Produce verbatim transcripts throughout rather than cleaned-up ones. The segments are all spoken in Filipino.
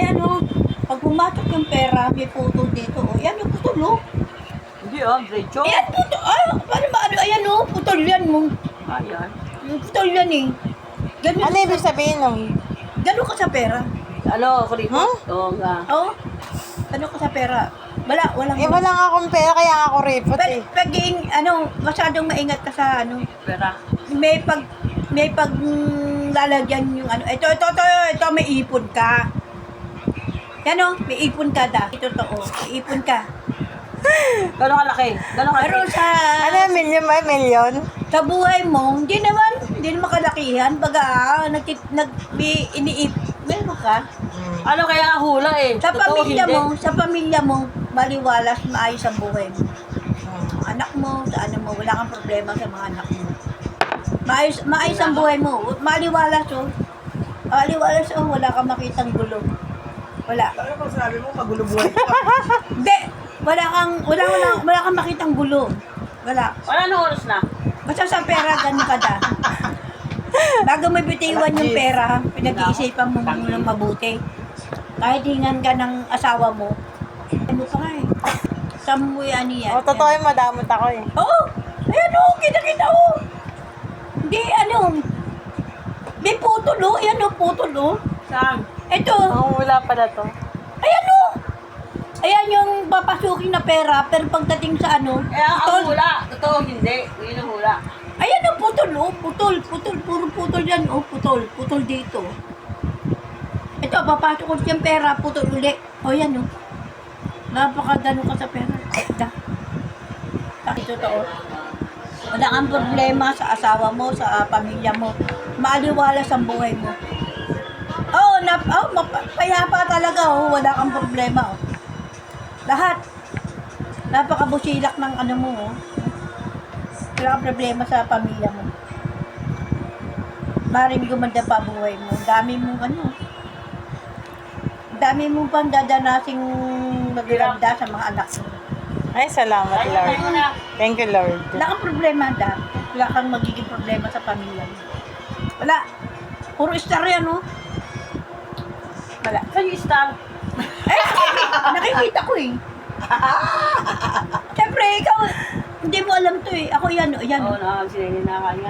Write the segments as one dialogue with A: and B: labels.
A: Ayan o, pag pumatok yung pera, may putol dito. O, yan yung putol o.
B: Hindi ah, diretso.
A: Ayan, putol. Ay, paano ba? Ano, ayan o, putol yan mo.
B: Ayan.
A: Yung putol yan eh. Ganun,
C: Ano ibig sabihin nun?
A: ganun ka sa pera.
B: Ano, kuripot?
C: Huh?
B: Oo nga.
A: Oo. Ganun ka sa pera. Wala, walang...
C: Eh, wala nga akong pera, kaya nga ako repot
A: Pag,
C: eh.
A: pag ing- ano, masyadong maingat ka sa ano,
B: Pera.
A: may pag, may pag mm, lalagyan yung ano, ito, ito, ito, ito, may ipon ka. Yan o, may ipon ka da. Ito, to, oh, may ipon ka.
B: Gano'ng kalaki? Gano'ng kalaki?
A: Pero sa,
C: Ano, million ba? Million?
A: sa buhay mo, hindi naman, hindi naman kalakihan. Baga, ah, nag, nag, may iniip, meron ka.
B: Ano kaya nga hula eh?
A: Sa
B: Totoo,
A: pamilya
B: hindi.
A: mo, sa pamilya mo, maliwalas, maayos ang buhay mo. Ang anak mo, sa ano mo, wala kang problema sa mga anak mo. Maayos, maayos ang buhay mo. Maliwalas, oh. Maliwalas, oh, wala kang makitang gulo. Wala.
D: Ano bang sabi mo, magulo buhay ko?
A: Hindi, wala kang, wala, wala, wala kang makitang gulo. Wala.
B: Wala nang oras na.
A: Basta sa pera, ganun ka da. Bago mo bitiwan yung pera, pinag-iisipan mo muna mabuti. Kahit hingan ka ng asawa mo, ano pa nga eh. Saan mo yan yan?
C: O, totoo yung madamot ako eh.
A: Oo! Ayan o! Kita-kita o! Hindi, ano? May putol o! Ayan o, putol o!
B: Saan?
A: Ito!
C: Ang wala pala to.
A: Ayan o! Ayan yung papasukin na pera, pero pagdating sa ano,
B: Eh, ang
A: putol.
B: hula. Totoo, hindi. Yun ang hula.
A: Ayan o, putol o! Putol, putol, puro putol yan o, putol, putol dito. Ito, papasok ko yung pera, putol uli. O yan o. Napakagano ka sa pera. Da. Ito to o. Wala kang problema sa asawa mo, sa uh, pamilya mo. Maaliwalas ang buhay mo. Oh, na, oh, map- payapa talaga oh, wala kang problema oh. Lahat. Napakabusilak ng ano mo oh. Wala kang problema sa pamilya mo. Maring gumanda pa buhay mo. Dami mong ano. Dami mong pang dadanasing maganda sa mga anak mo.
C: Ay, salamat Lord. Thank you Lord.
A: Wala kang problema da. Wala kang magiging problema sa pamilya mo. Wala. Puro star yan oh. Wala.
B: Saan yung star?
A: Eh, nakikita ko eh. Siyempre, ikaw, hindi mo alam to eh. Ako yan, oh, yan.
B: Oo, na, sinili na kanya.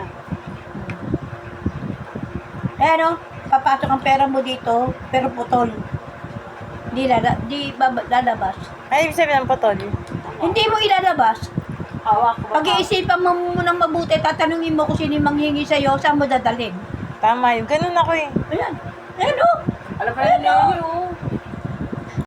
A: Eh, ano, papasok ang pera mo dito, pero putol. Hindi lala, di baba, lalabas.
C: Ay, ibig sabihin ng potol.
A: Hindi mo ilalabas.
B: Hawak ko ba?
A: Pag-iisipan mo munang mabuti, tatanungin mo kung sino yung manghingi sa'yo, saan mo dadalhin.
C: Tama yun. Ganun ako eh.
A: Ayan. Ayan, oh.